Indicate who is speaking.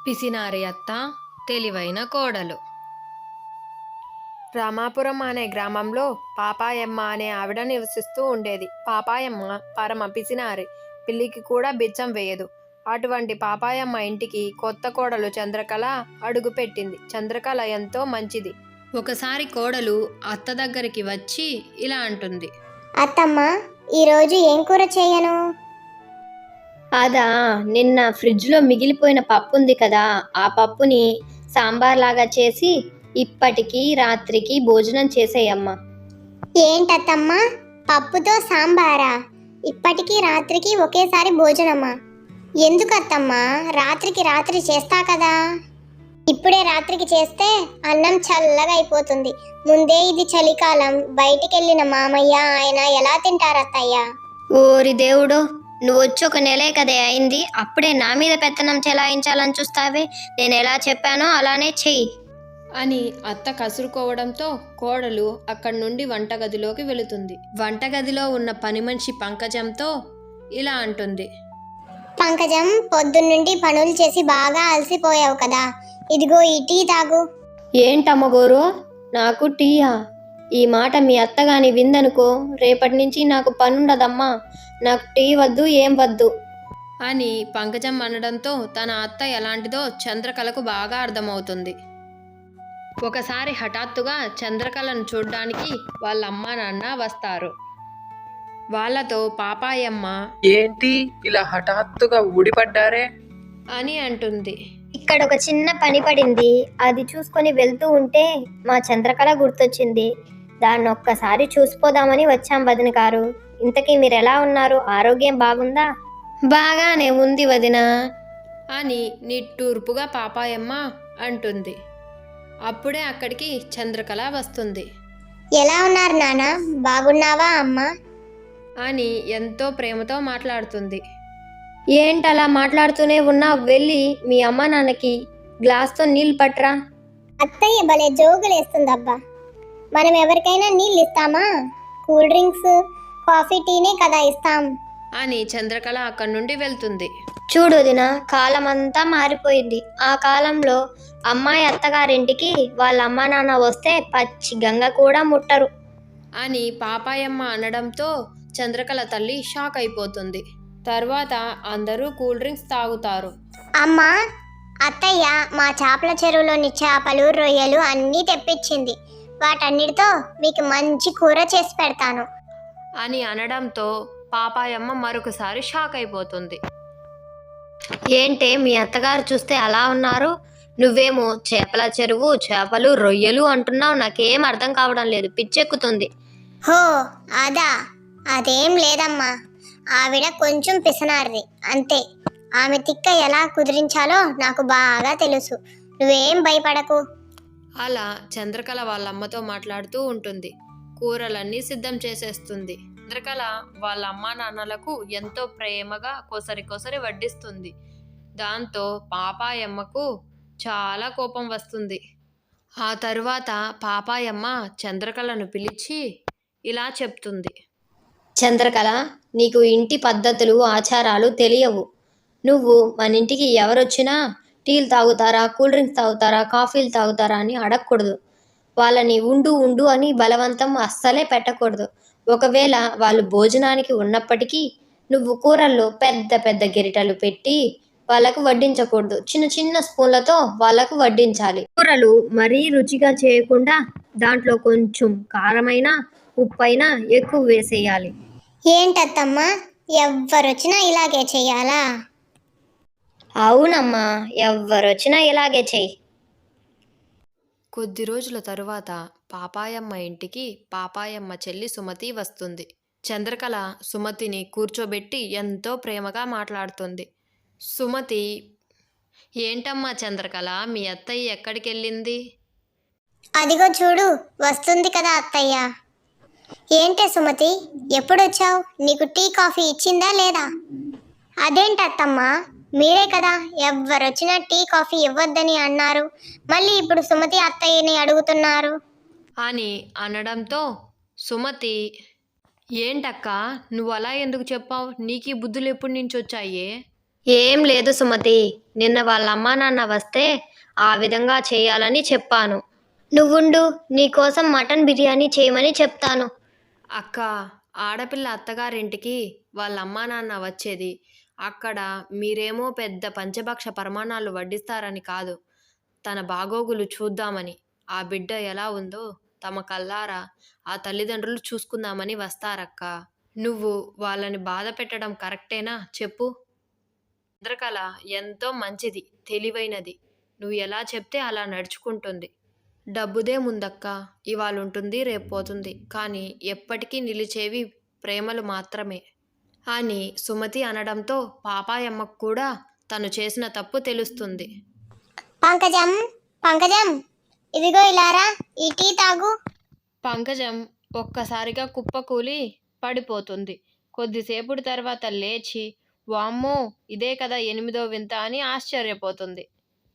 Speaker 1: పిసినారి అత్త, తెలివైన కోడలు. రామాపురం అనే గ్రామంలో పాపాయమ్మ అనే ఆవిడ నివసిస్తూ ఉండేది. పాపాయమ్మ పరమ పిసినారి, పిల్లికి కూడా బిచ్చం వేయదు. అటువంటి పాపాయమ్మ ఇంటికి కొత్త కోడలు చంద్రకళ అడుగు పెట్టింది. చంద్రకళ ఎంతో మంచిది. ఒకసారి కోడలు అత్త దగ్గరికి వచ్చి ఇలా అంటుంది.
Speaker 2: అత్తమ్మ, ఈరోజు ఏం కూర చేయను?
Speaker 3: అదా, నిన్న ఫ్రిడ్జ్లో మిగిలిపోయిన పప్పు ఉంది కదా, ఆ పప్పుని సాంబార్ లాగా చేసి ఇప్పటికి రాత్రికి భోజనం చేసేయమ్మా.
Speaker 2: ఏంటత్తమ్మ, పప్పుతో సాంబారా? ఇప్పటికీ రాత్రికి ఒకేసారి భోజనమా? ఎందుకత్తమ్మా, రాత్రికి రాత్రి చేస్తా కదా. ఇప్పుడే రాత్రికి చేస్తే అన్నం చల్లగా అయిపోతుంది. ముందే ఇది చలికాలం, బయటికెళ్ళిన మామయ్య ఆయన ఎలా తింటారత్తయ్య?
Speaker 3: ఓరి దేవుడో, నువ్వు వచ్చి ఒక నెలే కదే అయింది, అప్పుడే నా మీద పెత్తనం చెలాయించాలని చూస్తావే. నేను ఎలా చెప్పానో అలానే చెయ్యి
Speaker 1: అని అత్త కసురుకోవడంతో కోడలు అక్కడి నుండి వంటగదిలోకి వెళుతుంది. వంటగదిలో ఉన్న పని మనిషి పంకజంతో ఇలా అంటుంది.
Speaker 2: పంకజం, పొద్దున్నుండి పనులు చేసి బాగా అలసిపోయావు కదా, ఇదిగో ఈ టీ తాగు.
Speaker 3: ఏంటమ్మగోరు, నాకు టీయా? ఈ మాట మీ అత్తగాని విందనుకో, రేపటి నుంచి నాకు పనుండదమ్మా. నాకు టీ వద్దు, ఏం వద్దు
Speaker 1: అని పంకజం అనడంతో తన అత్త ఎలాంటిదో చంద్రకళకు బాగా అర్థమవుతుంది. ఒకసారి హఠాత్తుగా చంద్రకళను చూడ్డానికి వాళ్ళ అమ్మా నాన్న వస్తారు. వాళ్ళతో పాపాయమ్మ
Speaker 4: ఏంటి ఇలా హఠాత్తుగా ఊడిపడ్డారే
Speaker 1: అని అంటుంది.
Speaker 3: ఇక్కడ ఒక చిన్న పని పడింది, అది చూసుకొని వెళ్తూ ఉంటే మా చంద్రకళ గుర్తొచ్చింది. దాన్ని ఒక్కసారి చూసిపోదామని వచ్చాం వదిన గారు. ఇంతకీ మీరు ఎలా ఉన్నారు? ఆరోగ్యం బాగుందా? బాగానే ఉంది వదిన
Speaker 1: అని నిట్టూర్పుగా పాపాయమ్మ అంటుంది. అప్పుడే అక్కడికి చంద్రకళ వస్తుంది.
Speaker 2: ఎలా ఉన్నారు నాన్న, బాగున్నావా అమ్మ?
Speaker 1: అని ఎంతో ప్రేమతో మాట్లాడుతుంది.
Speaker 3: ఏంటలా మాట్లాడుతూనే ఉన్నావు? వెళ్ళి మీ అమ్మ నాన్నకి గ్లాస్తో నీళ్ళు పట్టరా.
Speaker 2: అత్తయ్య భలే జోగులేస్తుందబ్బా. మనం ఎవరికైనా నీళ్ళు ఇస్తామా? కూల్ డ్రింక్స్, కాఫీ, టీనే కదా ఇస్తాం.
Speaker 1: అని చంద్రకళ అక్కడి నుండి వెళ్తుంది.
Speaker 3: చూడు వదిన, కాలం అంతా మారిపోయింది. ఆ కాలంలో అమ్మాయి అత్తగారింటికి వాళ్ళ అమ్మా నాన్న వస్తే పచ్చి గంగ కూడా ముట్టరు
Speaker 1: అని పాపాయమ్మ అనడంతో చంద్రకళ తల్లి షాక్ అయిపోతుంది. తర్వాత అందరూ కూల్ డ్రింక్స్ తాగుతారు.
Speaker 2: అమ్మా, అత్తయ్య మా చేపల చెరువులోని చేపలు, రొయ్యలు అన్నీ తెప్పించింది. వాటన్నిటితో మీకు మంచి కూర చేసి పెడతాను
Speaker 1: అని అనడంతో పాపాయమ్మ మరొకసారి షాక్ అయిపోతుంది.
Speaker 3: ఏంటే మీ అత్తగారు చూస్తే అలా ఉన్నారు? నువ్వేమో చేపల చెరువు, చేపలు, రొయ్యలు అంటున్నావు. నాకేం అర్థం కావడం లేదు, పిచ్చెక్కుతుంది.
Speaker 2: హో అదా, అదేం లేదమ్మా. ఆవిడ కొంచెం పిసనారిది అంతే. ఆమె తిక్క ఎలా కుదిరించాలో నాకు బాగా తెలుసు. నువ్వేం భయపడకు.
Speaker 1: అలా చంద్రకళ వాళ్ళ అమ్మతో మాట్లాడుతూ ఉంటుంది. కూరలన్నీ సిద్ధం చేసేస్తుంది. చంద్రకళ వాళ్ళ అమ్మా నాన్నలకు ఎంతో ప్రేమగా కొసరి వడ్డిస్తుంది. దాంతో పాపాయమ్మకు చాలా కోపం వస్తుంది. ఆ తరువాత పాపాయమ్మ చంద్రకళను పిలిచి ఇలా చెప్తుంది.
Speaker 3: చంద్రకళ, నీకు ఇంటి పద్ధతులు, ఆచారాలు తెలియవు. నువ్వు మన ఇంటికి ఎవరొచ్చినా టీలు తాగుతారా, కూల్ డ్రింక్స్ తాగుతారా, కాఫీలు తాగుతారా అని అడగకూడదు. వాళ్ళని ఉండు ఉండు అని బలవంతం అస్సలే పెట్టకూడదు. ఒకవేళ వాళ్ళు భోజనానికి ఉన్నప్పటికీ నువ్వు కూరల్లో పెద్ద పెద్ద గెరిటలు పెట్టి వాళ్ళకు వడ్డించకూడదు. చిన్న చిన్న స్పూన్లతో వాళ్ళకు వడ్డించాలి. కూరలు మరీ రుచిగా చేయకుండా దాంట్లో కొంచెం కారమైనా, ఉప్పైనా ఎక్కువ వేసేయాలి.
Speaker 2: ఏంటత్తమ్మా, ఎవ్వరొచ్చినా ఇలాగే చెయ్యాలా?
Speaker 3: అవునమ్మా, ఎవ్వరొచ్చినా ఇలాగే చెయ్యి.
Speaker 1: కొద్ది రోజుల తరువాత పాపాయమ్మ ఇంటికి పాపాయమ్మ చెల్లి సుమతి వస్తుంది. చంద్రకళ సుమతిని కూర్చోబెట్టి ఎంతో ప్రేమగా మాట్లాడుతుంది. సుమతి, ఏంటమ్మా చంద్రకళ, మీ అత్తయ్య ఎక్కడికి వెళ్ళింది?
Speaker 2: అదిగో చూడు, వస్తుంది కదా అత్తయ్య. ఏంటే సుమతి, ఎప్పుడొచ్చావు? నీకు టీ, కాఫీ ఇచ్చిందా లేదా? అదేంటత్తమ్మా, మీరే కదా ఎవ్వరొచ్చినా టీ, కాఫీ ఇవ్వద్దని అన్నారు. మళ్ళీ ఇప్పుడు సుమతి అత్తయ్యని అడుగుతున్నారు
Speaker 1: అని అనడంతో సుమతి, ఏంటక్క నువ్వు అలా ఎందుకు చెప్పావు? నీకు ఈ బుద్ధులు ఎప్పటి నుంచి వచ్చాయే?
Speaker 3: ఏం లేదు సుమతి, నిన్న వాళ్ళ అమ్మా నాన్న వస్తే ఆ విధంగా చేయాలని చెప్పాను. నువ్వుండు, నీకోసం మటన్ బిర్యానీ చేయమని చెప్తాను.
Speaker 1: అక్క, ఆడపిల్ల అత్తగారింటికి వాళ్ళ అమ్మా నాన్న వచ్చేది అక్కడ మీరేమో పెద్ద పంచభక్ష పరమాణాలు వడ్డిస్తారని కాదు, తన బాగోగులు చూద్దామని. ఆ బిడ్డ ఎలా ఉందో తమ కల్లారా ఆ తల్లిదండ్రులు చూసుకుందామని వస్తారక్క. నువ్వు వాళ్ళని బాధ పెట్టడం కరెక్టేనా చెప్పు? చంద్రకళ ఎంతో మంచిది, తెలివైనది. నువ్వు ఎలా చెప్తే అలా నడుచుకుంటుంది. డబ్బుదే ముందక్క, ఇవాళ ఉంటుంది రేపు పోతుంది, కానీ ఎప్పటికీ నిలిచేవి ప్రేమలు మాత్రమే అని సుమతి అనడంతో పాపాయమ్మకు కూడా తను చేసిన తప్పు తెలుస్తుంది.
Speaker 2: పంకజం, పంకజం, ఇదిగో ఇలారా, ఈ టీ తాగు.
Speaker 1: పంకజం ఒక్కసారిగా కుప్పకూలి పడిపోతుంది. కొద్దిసేపుడి తర్వాత లేచి, వామ్మో ఇదే కదా 8వ వింత అని ఆశ్చర్యపోతుంది.